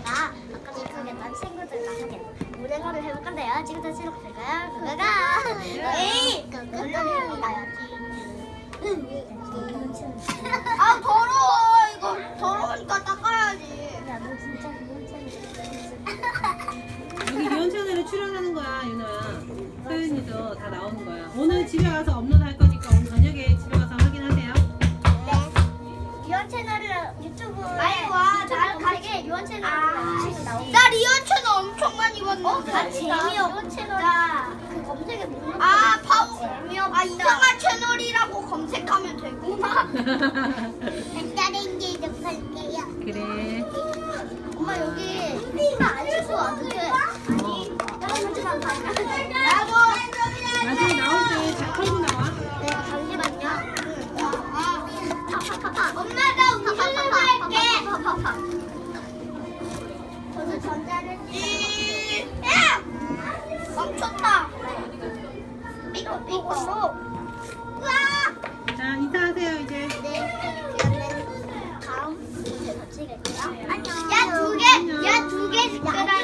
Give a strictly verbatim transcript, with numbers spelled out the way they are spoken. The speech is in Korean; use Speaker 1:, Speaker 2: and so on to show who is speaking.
Speaker 1: 제가 아까 시작했던 친구들과 함께 무대거를 해볼 건데요. 지금부터 시작할까요? 그거가 에이! 그거가
Speaker 2: 아 더러워. 이거 더러우니까 닦아야지.
Speaker 1: 야, 너 진짜 유언
Speaker 3: 여기 유언 채널에 출연하는 거야, 유나야. 서윤이도 다 나오는 거야. 오늘 집에 가서 업로드 할 거니까 오늘 저녁에 집에 가서 확인하세요.
Speaker 1: 네. 유언 채널을 유튜브에
Speaker 2: 빨리 와.
Speaker 1: 나 가게 유언 채널을 치고 나오고.
Speaker 2: 나 리온 채널 엄청 많이 봤는데.
Speaker 1: 어, 나 재미없 유언 채널 그 검색에 못 넣고.
Speaker 2: 아 파워. 아 이상한 채널이라고 검색하면 되구나.
Speaker 1: 다른 게 좀 볼게요.
Speaker 3: 그래.
Speaker 1: 엄마 여기 이거 안 쓰고 어떻게? 아니, 다른 문제만 봐.
Speaker 2: 나도.
Speaker 3: 나중에 나올 때 잘 털고 나와.
Speaker 1: 네, 잠시만요. 파파파파.
Speaker 2: 엄마 나 우승을 할게.
Speaker 1: 파파파파. 저는 전자레인지.
Speaker 2: 이. 야! 멈췄다. 삐걱 삐걱. 우와!
Speaker 3: 자, 인사하세요, 이제.
Speaker 1: 네, 그러면 다음 문제 더 치겠고요. 안녕.
Speaker 2: 야 두 개. 야 두 개.
Speaker 1: 야,